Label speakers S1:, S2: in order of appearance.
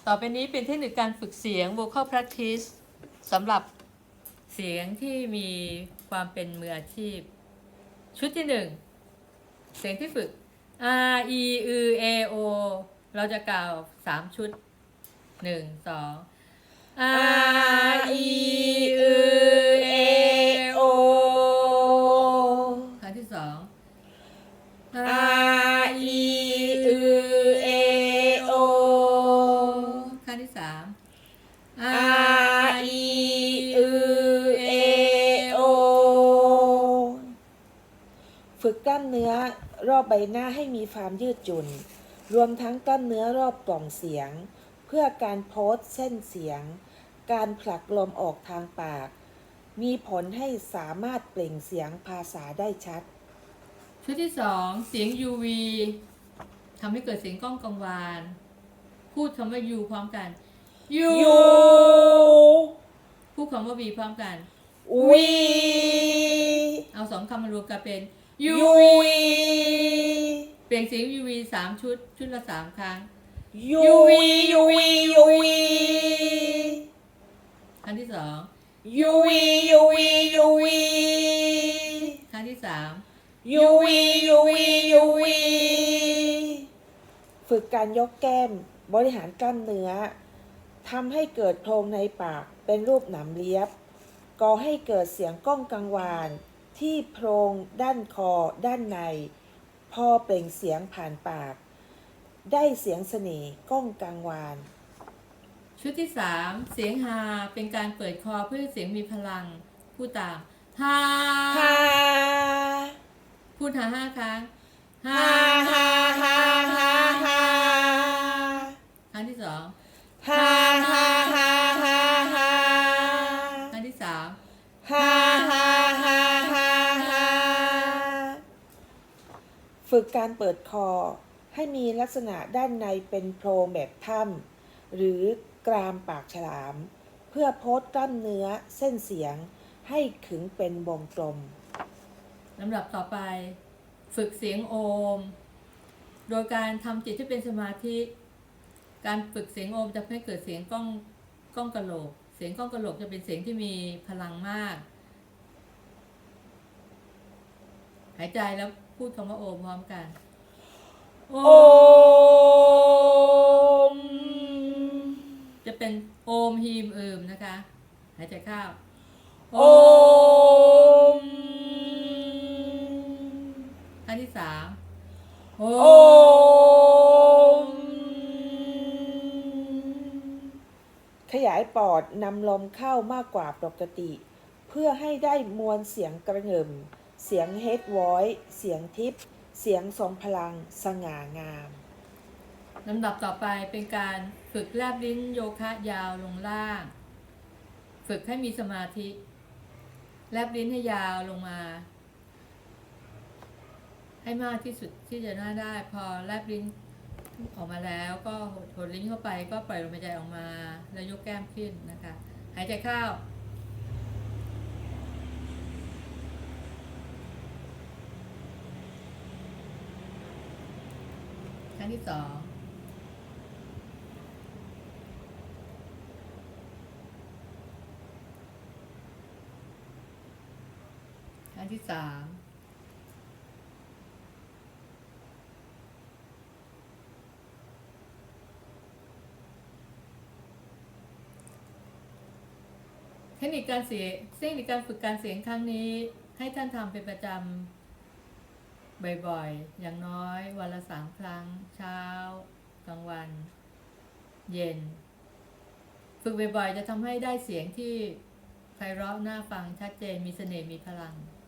S1: ต่อไปนี้เป็นเทคนิคการฝึกเสียง vocal practice สำหรับเสียงที่มีความเป็นมืออาชีพชุดที่1เสียงที่ฝึก R E U A O เราจะกล่าว3ชุด1 2 R E U A O ครั้งที่2
S2: R E U A O
S1: ครั้งที่3
S2: R E U A O ฝึกกล้ามเนื้อรอบใบหน้าให้มีความยืดหยุ่นรวมทั้งกล้ามเนื้อรอบกล่องเสียงเพื่อการโพสเส้นเสียงการผลักลมออกทางปากมีผลให้สามารถเปล่งเสียงภาษาได้ชัด
S1: ชุดที่2เสียง UV ทำให้เกิดเสียงก้องกังวานพูดคำว่า U พร้อมกัน U พูดคำว่า V พร้อมกัน
S2: วี
S1: เอา2คำมารวมกันเป็น
S2: ยู
S1: U
S2: วี
S1: เปลี่ยนเสียง UV 3ชุดชุดละ3ครั้ง
S2: ยูวียูวียูวี
S1: ครั้งที่2
S2: ยูวียูวียูวี
S1: ครั้งที่3
S2: ยูวียูวียูวีฝึกการยกแก้มบริหารกล้ามเนื้อทำให้เกิดโพรงในปากเป็นรูปหนามเลียบก่อให้เกิดเสียงก้องกังวานที่โพรงด้านคอด้านในพอเปล่งเสียงผ่านปากได้เสียงเสน่ห์ก้องกังวาน
S1: ชุดที่3เสียงฮาเป็นการเปิดคอเพื่อให้เสียงมีพลังพูดตามฮา
S2: ฮา
S1: พูดหา5ครั้งฮา
S2: ฮาฮาฮาฮา
S1: ครั้งที่2
S2: ฮาฮาฮาฮาฮา
S1: ครั้งที่3
S2: ฮาฮาฮาฮาฮาฝึกการเปิดคอให้มีลักษณะด้านในเป็นโพรงแบบถ้ำหรือกรามปากฉลามเพื่อโพสกล้ามเนื้อเส้นเสียงให้ขึงเป็นวงกลม
S1: ลำดับต่อไปฝึกเสียงโอมโดยการทำจิตให้เป็นสมาธิการฝึกเสียงโอมจะให้เกิดเสียงก้องกะโหลกเสียงก้องกะโหลกจะเป็นเสียงที่มีพลังมากหายใจแล้วพูดคำว่าโอมพร้อมกันโอ
S2: โอม
S1: จะเป็นโอมฮีมนะคะหายใจเข้าโอ
S2: โอม
S1: ครั้งที่3โอ
S2: โอมขยายปอดนำลมเข้ามากกว่าปกติเพื่อให้ได้มวลเสียงกระหึ่มเสียงเฮดวอยซ์เสียงทิพย์เสียงทรงพลังสง่างาม
S1: ลำดับต่อไปเป็นการฝึกแลบลิ้นโยคะยาวลงล่างฝึกให้มีสมาธิแลบลิ้นให้ยาวลงมาให้มากที่สุดที่จะน่าได้พอแลบลิ้นออกมาแล้วก็หดลิ้นเข้าไปก็ปล่อยลมหายใจออกมาแล้วยกแก้มขึ้นนะคะหายใจเข้าครั้งที่2ครั้งที่3เทคนิคการฝึกการเสียงครั้งนี้ให้ท่านทำเป็นประจำบ่อยๆอย่างน้อยวันละ3 ครั้งเช้ากลางวันเย็นฝึกบ่อยๆจะทำให้ได้เสียงที่ไพเราะน่าฟังชัดเจนมีเสน่ห์มีพลัง